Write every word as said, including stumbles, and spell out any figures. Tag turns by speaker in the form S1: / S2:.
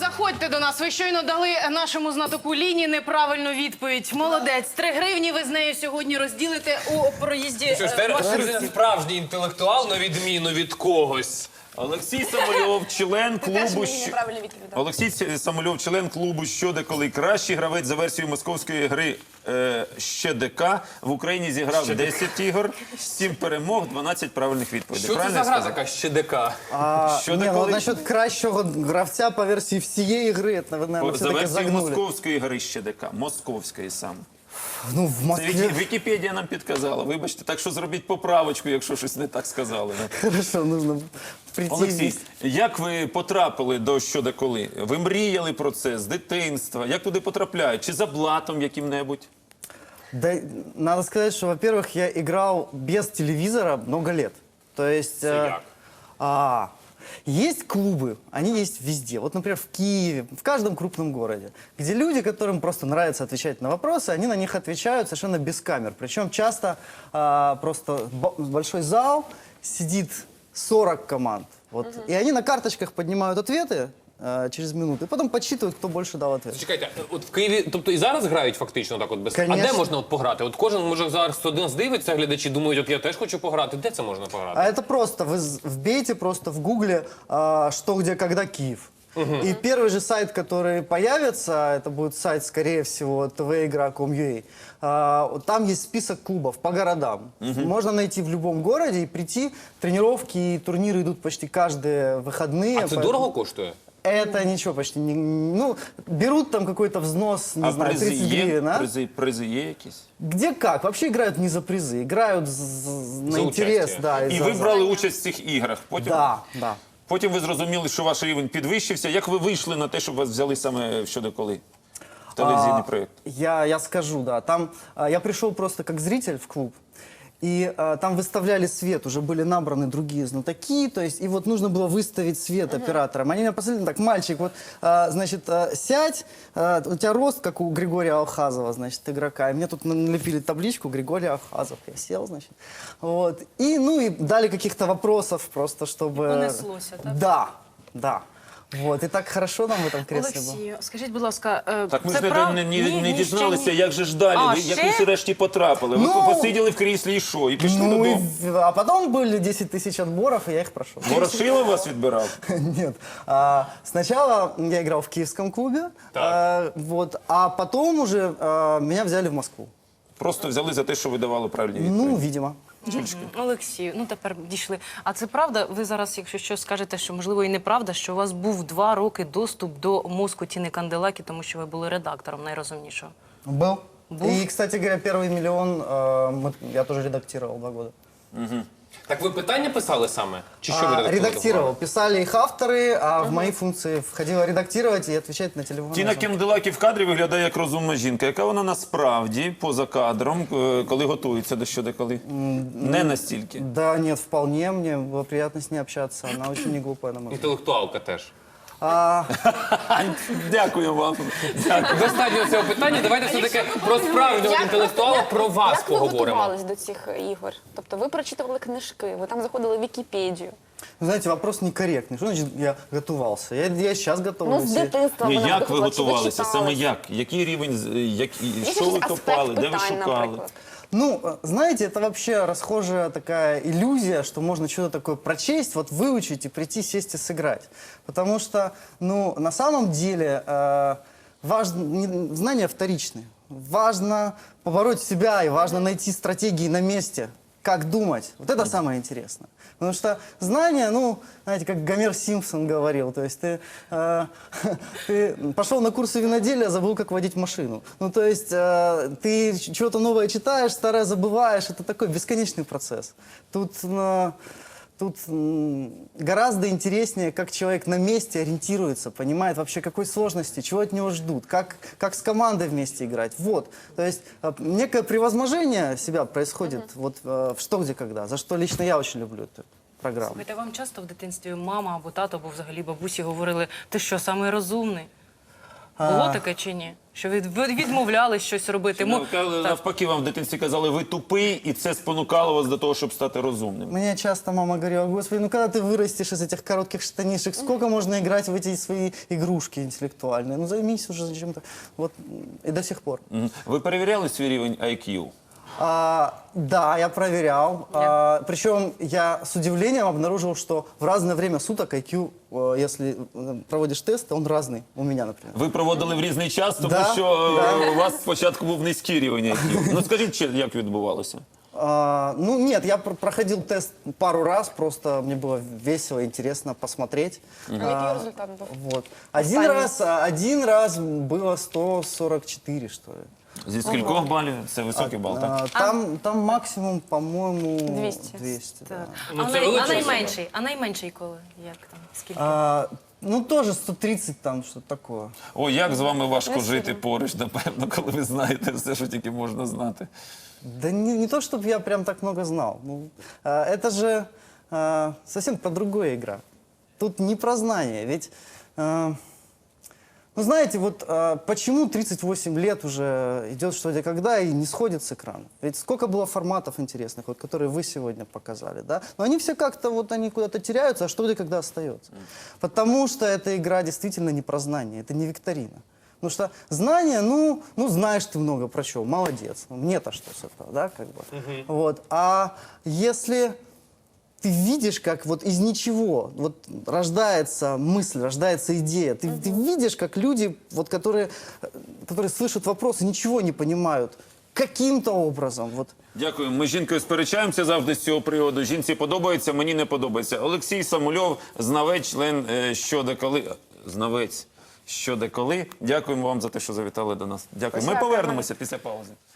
S1: заходьте до нас. Ви щойно дали нашому знатоку Ліні неправильну відповідь. Молодець. Три гривні ви з нею сьогодні розділите у проїзді.
S2: Що ж, тепер справжній інтелектуал, на відміну від когось.
S3: Олексій Самольов, член клубу
S4: мені
S3: «Що...»
S4: неправильно відповідав.
S3: Олексій Самольов, член клубу «Що де коли». Кращий гравець за версією московської гри е, «Ще ДК». В Україні зіграв десять ігор, сім перемог, дванадцять правильних відповідей.
S2: Що це
S3: Правильно
S2: за
S3: я
S2: гра
S3: сказав?
S2: така «Ще ДК»?
S5: А,
S3: Що
S5: не,
S3: такое?
S5: ну, насчет кращего гравця по версии всей игры, это вы, наверное,
S3: За
S5: все-таки
S3: версією
S5: загнули.
S3: московської гри «Ще ДК». Московської саме.
S5: Ну, в
S3: Це
S5: Москве...
S3: Вікі- Вікіпедія нам підказала. Вибачте, так що зробіть поправочку, якщо щось не так сказали.
S5: Хорошо, нужно прийти
S3: Олексій,
S5: здесь.
S3: як ви потрапили до «Що де коли»? Ви мріяли про це з дитинства? Як туди потрапляють? Чи за блатом яким-небудь?
S5: Да, надо сказать, что, во-первых, я играл без телевизора много лет. То есть... э,
S2: як?
S5: а, есть клубы, они есть везде. Вот, например, в Киеве, в каждом крупном городе, где люди, которым просто нравится отвечать на вопросы, они на них отвечают совершенно без камер. Причем часто а, просто бо- большой зал, сидит сорок команд. Вот, и они на карточках поднимают ответы а, через минуту, и потом подсчитывают, кто больше дал ответ.
S2: Чекайте, от в Києві, тобто і зараз грають фактично так от без... А
S5: Конечно.
S2: де можна от пограти? От кожен, може, зараз один здивиться, глядачі думають, от я теж хочу пограти. Де це можна пограти?
S5: А это просто, вы з- вбейте просто в гугле а, «Что, где, когда, Киев». И первый же сайт, который появится, это будет сайт, скорее всего, тэ вэ игра точка ком точка ю а, вот там есть список клубов по городам. Можно найти в любом городе и прийти. Тренировки и турниры идут почти каждые выходные.
S2: А це
S5: поэтому
S2: дорого коштує?
S5: Это ничего почти не... Ну, берут там какой-то взнос, не
S3: А
S5: знаю,
S3: призи
S5: тридцать
S3: є?
S5: гривен, а?
S3: Призи, призи є якісь?
S5: Где как? Вообще играют не за призы, играют з- з- на
S2: За
S5: интерес.
S2: участие.
S5: Да,
S3: І
S5: за-
S3: ви
S5: за-
S3: брали участь в цих іграх. Потім,
S5: Да, да.
S3: потім ви зрозуміли, що ваш рівень підвищився. Як ви вийшли на те, щоб вас взяли саме в «Що де коли»? В телевізійний проєкт.
S5: Я, я скажу, да. Там а, я пришел просто как зритель в клуб, и а, там выставляли свет, уже были набраны другие знатоки, то есть, и вот нужно было выставить свет операторам. Они меня посмотрели, так, мальчик, вот, а, значит, а, сядь, а, у тебя рост, как у Григория Алхазова, значит, игрока. И мне тут налепили табличку «Григорий Алхазов». Я сел, значит, вот. И, ну, и дали каких-то вопросов просто, чтобы...
S1: Понеслося, так?
S5: Да, да. Вот, и так хорошо нам в этом кресле было.
S1: Олексію, скажіть, будь ласка, е,
S3: Так ми
S1: це
S3: ж не,
S1: прав...
S3: не,
S1: Ні,
S3: не,
S1: ні,
S3: не
S1: ще
S3: дізналися,
S1: ні.
S3: як же ж далі.
S1: А,
S3: ви, як
S1: ще?
S3: ви всі-решті потрапили. Ви
S5: Ну,
S3: посиділи в кріслі і що? І пішли
S5: Ну,
S3: додому.
S5: и, а потом были десять тысяч отборов, и я их прошел.
S3: Ворошилов вас відбирав?
S5: Нет. А, сначала я играл в киевском клубе, а, вот, а потом уже а, меня взяли в Москву.
S3: Просто взяли за те, що ви давали правильні відповіді.
S5: Ну, видимо.
S1: Олексію, ну тепер дійшли. А це правда? Ви зараз, якщо щось скажете, що можливо і неправда, що у вас був два роки доступ до мозку Тіни Канделакі, тому що ви були редактором найрозумнішого.
S5: Был.
S1: Был?
S5: И, кстати говоря, первый миллион а, мы- я тоже редактировал два года.
S2: Так ви питання писали саме? Чи що ви
S5: А,
S2: редактували?
S5: редактировал. Писали их авторы, а в мои функции входило редактировать и отвечать на телефон.
S3: Тіна Канделакі в кадрі виглядає як розумна жінка. Яка вона насправді, поза кадром, е, коли готується до «Що де коли»? Не настільки.
S5: Да, нет, вполне. Мне было приятно с ней общаться. Она очень не глупая, на мой взгляд.
S2: Інтелектуалка теж.
S5: А,
S3: Дякую вам. Дякую.
S2: Достатньо цього питання. Давайте все-таки про справжнього
S4: Як-
S2: інтелектуала,
S4: як-
S2: про вас
S4: як ви
S2: поговоримо.
S4: готувались до цих ігор? Тобто ви прочитували книжки, ви там заходили в Вікіпедію.
S5: Вы знаете, вопрос некорректный. Что значит я готовался? Я, я сейчас
S4: Ну,
S5: готовлюсь.
S4: з дитинства
S3: Ні,
S4: вона
S3: як ви
S4: готувалася,
S3: готувалися?
S4: читали?
S3: Саме як? Який рівень, з- як, і-
S4: Якийсь
S3: що ви
S4: аспект
S3: копали, де ви
S4: питань,
S3: шукали?
S4: наприклад.
S5: Ну, э, знаете, это вообще расхожая такая иллюзия, что можно что-то такое прочесть, вот выучить и прийти, сесть и сыграть. Потому что, ну, на самом деле, э, важно, не- знания вторичны. Важно побороть себя и важно найти стратегии на месте. Как думать? Вот это самое интересное. Потому что знания, ну, знаете, как Гомер Симпсон говорил, то есть ты, э, ты пошел на курсы виноделия, забыл, как водить машину. Ну, то есть э, ты чего-то новое читаешь, старое забываешь, это такой бесконечный процесс. Тут, э, тут м, гораздо интереснее, как человек на месте ориентируется, понимает вообще, какой сложности, чего от него ждут, как, как с командой вместе играть. Вот. То есть э, некое превозможение себя происходит вот, э, в «Что, где, когда», за что лично я очень люблю эту программу.
S1: Слухайте, вам часто в дитинстві мама або тато, або взагалі бабусі говорили, ти що, самий розумний? Було таке чи ні? Що ви ви відмовляли щось робити? Мо-
S3: Ну,
S1: так.
S3: навпаки, вам в дитинстві казали, ви тупий, і це спонукало вас до того, щоб стати розумним.
S5: Мне часто мама говорила: господи, ну когда ты вырастешь из этих коротких штанишек, сколько можно играть в эти свои игрушки интеллектуальные? Ну займись уже чем-то. Вот и до сих пор.
S3: Мгм. Ви перевіряли свій рівень ай к'ю?
S5: А, да, я проверял. А, причем я с удивлением обнаружил, что в разное время суток ай кью, э, если э, проводишь тесты, он разный. У меня, например.
S3: Ви проводили в різний час, тому
S5: Да,
S3: що е,
S5: да.
S3: у вас спочатку був низький рівень ай к'ю. Ну скажіть, чи- як відбувалося?
S5: А, ну нет, я пр- проходил тест пару раз, просто мне было весело, интересно посмотреть.
S4: А який результат був?
S5: Вот. Один
S4: Останній.
S5: раз, а, один раз было сто сорок четыре, что ли.
S3: Зі скількох балів? Це високий бал, так?
S5: А, там, там максимум, по-моему,
S4: двести.
S5: двести, да.
S1: Так.
S2: Ну,
S1: а,
S2: це
S1: най- а
S2: величезно.
S1: найменший? А найменший коли? Як там? Скільки?
S5: А, ну, тоже сто тридцать там, что-то такое.
S3: О, як з вами важко жити поруч, напевно, коли ви знаєте все, що тільки можна знати.
S5: Да не, не то, чтобы я прям так много знал. Ну, а, это же а, совсем про другое игра. Тут не про знание. Ведь, а, ну знаете, вот а, почему тридцать восемь лет уже идет что-то когда и не сходит с экрана? Ведь сколько было форматов интересных, вот, которые вы сегодня показали, да? Но они все как-то вот они куда-то теряются, а что где когда остается? Потому что эта игра действительно не про знание, это не викторина. Потому что знание, ну, ну знаешь ты много про чего, молодец. Ну, мне-то что с этого, да, как бы. Вот. А если ты видишь, как вот из ничего вот рождается мысль, рождается идея, ты, ты видишь, как люди, вот, которые, э, которые слышат вопросы, ничего не понимают, каким-то образом, вот.
S3: Дякую. Ми з жінкою сперечаємося завжди з цього приводу. Жінці подобається, мені не подобається. Олексій Самульов, знавець, член е, «Що де коли». Знавець «Що де коли». Дякуємо вам за те, що завітали до нас. Дякую. Ми
S4: Дякую.
S3: повернемося після паузи.